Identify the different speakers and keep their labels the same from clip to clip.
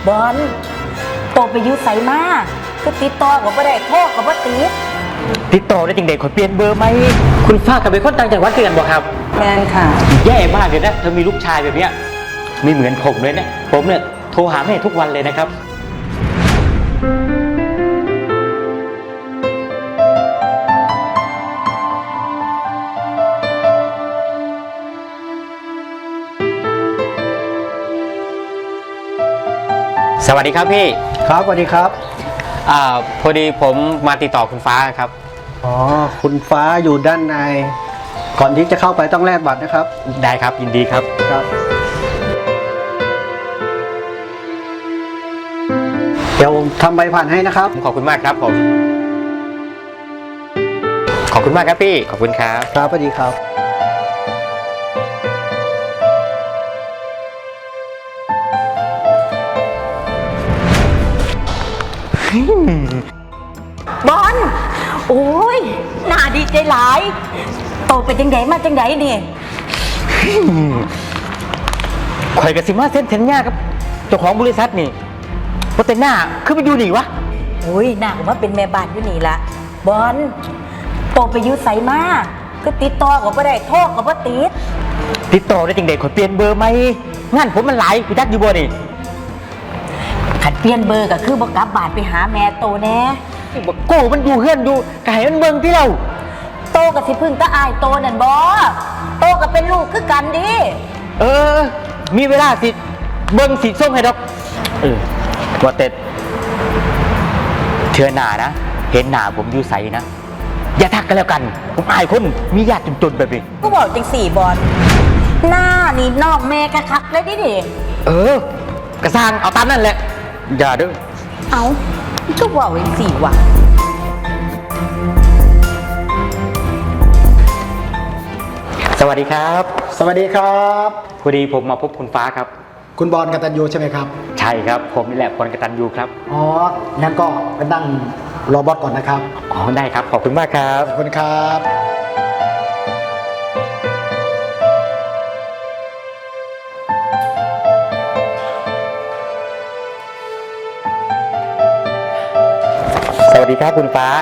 Speaker 1: บอลโตไปอยู่ไสมาก็ติดต่อกับบ่ได้โทรกับบ่ติด
Speaker 2: ต่อได้จริงเด็กขอเปลี่ยนเบอร์ไหมคุณฟ้ากับเป็นคนต่างจังหวัดกันบอกครับ
Speaker 3: แมนค่ะ
Speaker 2: แย่มากเลยนะเธอมีลูกชายแบบเนี้ยไม่เหมือนผมเลยนะผมเนี่ยโทรหาแม่ทุกวันเลยนะครับสวัสดีครับพี่
Speaker 4: ครับสวัสดีครับ
Speaker 2: พอดีผมมาติดต่อคุณฟ้าครับ
Speaker 4: อ๋อคุณฟ้าอยู่ด้านในก่อนที่จะเข้าไปต้องแลกบัตรนะครับ
Speaker 2: ได้ครับยินดีครับ
Speaker 4: ครับเดี๋ยวทำใบผ่านให้นะครับ
Speaker 2: ขอบคุณมากครับผมขอบคุณมากครับพี่ขอบคุณครับ
Speaker 4: ครับสวัสดีครับ
Speaker 1: บอลโอ้ยน่าดีใจหลายโตไปจังไดมาจังไดนี่
Speaker 2: ข่อยกับสิมาเส้นเทนย่าครับเจ้าของบริษัทนี่เพราะแต่หน้าคือไปอยู่นี่วะ
Speaker 1: โอ้ยน่าผมว่าเป็นแม่บ้านอยู่นี่ละบอลโตไปอยู่ไสมาก็ติดต่อกับบ่ได้โทรกับบ่
Speaker 2: ติดต่อได้จริงเด็กขอเปลี่ยนเบอร์ไหมงานผมมันหลายพี่จักอยู่บ่นี่
Speaker 1: ขัดเปลี่ยนเบอร์ก็คือบ่กลับบ้านไปหาแม่โตแน่
Speaker 2: โก้มันอยู่เฮือนอยู่ไก่มันเบิ่งที่เรา
Speaker 1: โตกับสิพึ่งตาอายโตนั่นบ่โตก็เป็นลูกคือกันดิ
Speaker 2: มีเวลาสิเบิ่งสิส้มให้ดอกว่าแต่เทื่อหน้านะเห็นหน้าผมอยู่ใสนะอย่าทักกันแล้วกันผมอายคนมีญาติจนๆแบบนี้
Speaker 1: ก็บอกจังสี่บอลหน้านี่นอกแม่กะคักเลยดิ
Speaker 2: กระสร้างเอาตามนั่นแหละอย่าเด้อ
Speaker 1: เอาก็บอกจังสี่ว่ะ
Speaker 2: สวัสดีครับ
Speaker 4: สวัสดีครับ
Speaker 2: พอดีผมมาพบคุณฟ้าครับ
Speaker 4: คุณบอลกตัญญูใช่ไหมครับ
Speaker 2: ใช่ครับผมนี่แหละบอลกตัญญูครับ
Speaker 4: อ๋องั้นก็ไปนั่งรอบอสก่อนนะครับ
Speaker 2: อ๋อได้ครับขอบคุณมากครับ
Speaker 4: ขอบคุณครับ
Speaker 2: สวัสดีครับคุณฟ้า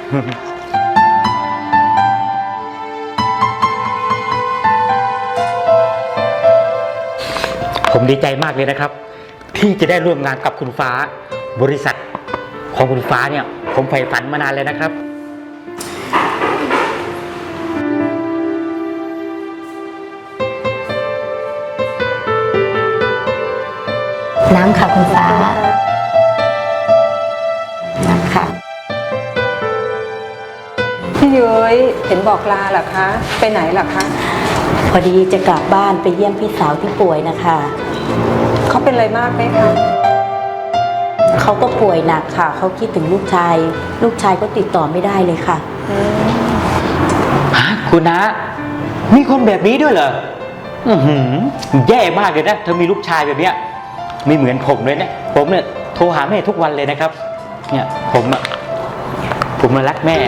Speaker 2: ผมดีใจมากเลยนะครับที่จะได้ร่วมงานกับคุณฟ้าบริษัทของคุณฟ้าเนี่ยผมใฝ่ฝันมานานเลยนะครับ
Speaker 1: น้ำค่ะคุณฟ้าน้ำค่ะ
Speaker 3: พี่ยุ้ยเห็นบอกลาเหรอคะไปไหนเหรอคะ
Speaker 1: พอดีจะกลับบ้านไปเยี่ยมพี่สาวที่ป่วยนะคะ
Speaker 3: เขาเป็นอะไรมากไหมคะ
Speaker 1: เขาก็ป่วยหนักค่ะเขาคิดถึงลูกชายก็ติดต่อไม่ได้เลยค่ะ
Speaker 2: คุณนะมีคนแบบนี้ด้วยเหรอแย่มากเลยนะเธอมีลูกชายแบบเนี้ยไม่เหมือนผมเลยนะผมเนี่ยโทรหาแม่ทุกวันเลยนะครับเนี่ยผมมารักแม่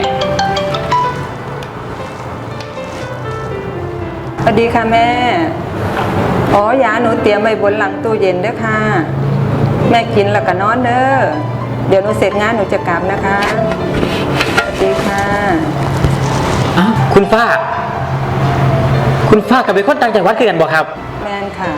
Speaker 3: สวัสดีค่ะแม่ยาหนูเตรียมไว้บนหลังตู้เย็นด้วยค่ะแม่กินแล้วก็นอนเด้อเดี๋ยวหนูเสร็จงานหนูจะกลับนะคะสวัสดีค่ะ
Speaker 2: คุณฟ้ากับเป็นคนต่างจังหวัดคือกันบอกครับ
Speaker 3: แม่นค่ะ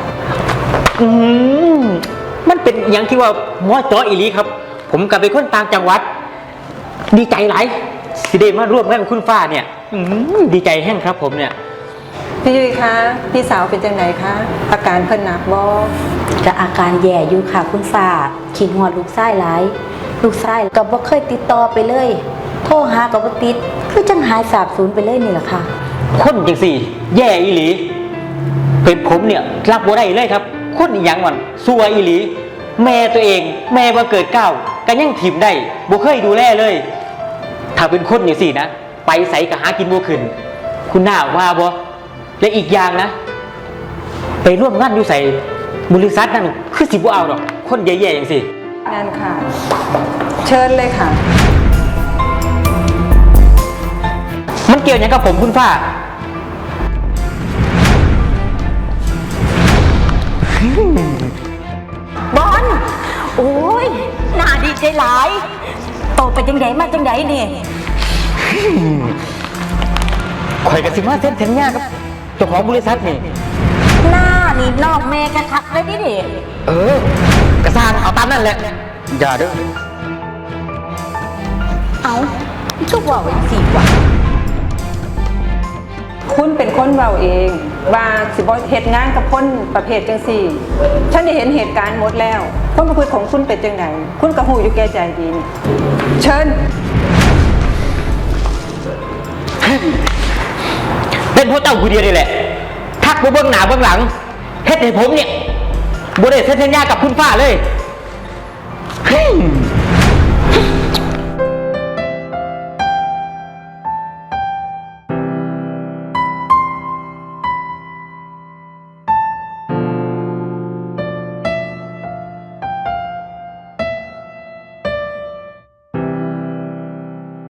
Speaker 2: มันเป็นอย่างที่ว่าหมอจออีลีครับผมกับเป็นคนต่างจังหวัดดีใจหลายสิได้มาร่วมงานกับคุณฟ้าเนี่ยดีใจแห้งครับผมเนี่ย
Speaker 3: พี่ยุ้ยคะพี่สาวเป็นจังไหนคะอาการเพิ่นหนักบ่
Speaker 1: จะอาการแย่อยู่ค่ะคุณฟ้าคิดฮอดลูกชายหลายลูกชายก็บ่เคยติดต่อไปเลยโทรหาก็บ่ติดคือจังหายสาบสูญไปเลยนี่แหละค่ะ
Speaker 2: คนจังสี่แย่อีหลีเป็นผมเนี่ยรับบ่ได้เลยครับคนอีหยังมันซัวอีหลีแม่ตัวเองแม่บ่เกิดก้าวก็ยังถิ่มได้บ่เคยดูแลเลยถ้าเป็นคนจังสี่นะไปไสก็หากินบ่ขึ้นคุณน่าว่าบ่และอีกอย่างนะไปร่วมงานอยู่ใส่บริษัทนั่นคือสิบ่เอาหรอกคนแย่ๆอย่างสิ
Speaker 3: งานค่ะเชิญเลยค่ะ
Speaker 2: มันเกี่ยวอย่างกับผมคุณฟ้า
Speaker 1: บอลโอ้ยน่าดีใจหลายโตไปจังไดมาจังไดนี่
Speaker 2: ข่อยกับสิมาเซ็นสัญญากับเจ้าของบริษัทนี่
Speaker 1: หน้านี่นอกแม่กันทักเลยดิดิ
Speaker 2: กระซางเอาตามนั่นแหละ อย่าเด้อ
Speaker 1: เอาก็ว่าไว้สิกว่า
Speaker 3: คุณเป็นคนเว้าเองว่าสิบ่เฮ็ดงานกับคนประเภทจังซี่ ฉันได้เห็นเหตุการณ์หมดแล้วความประพฤติของคุณเป็นจังไดคุณก็ฮู้อยู่แก่ใจดีนี่เชิญ
Speaker 2: เป็นเพราะเจ้าผู้เดียวนี่แหละ ทักไปเบื้องหน้าเบื้องหลังเฮ็ดให้ผมเนี่ยบ่ได้เซ็นสัญญากับคุณฟ้าเลย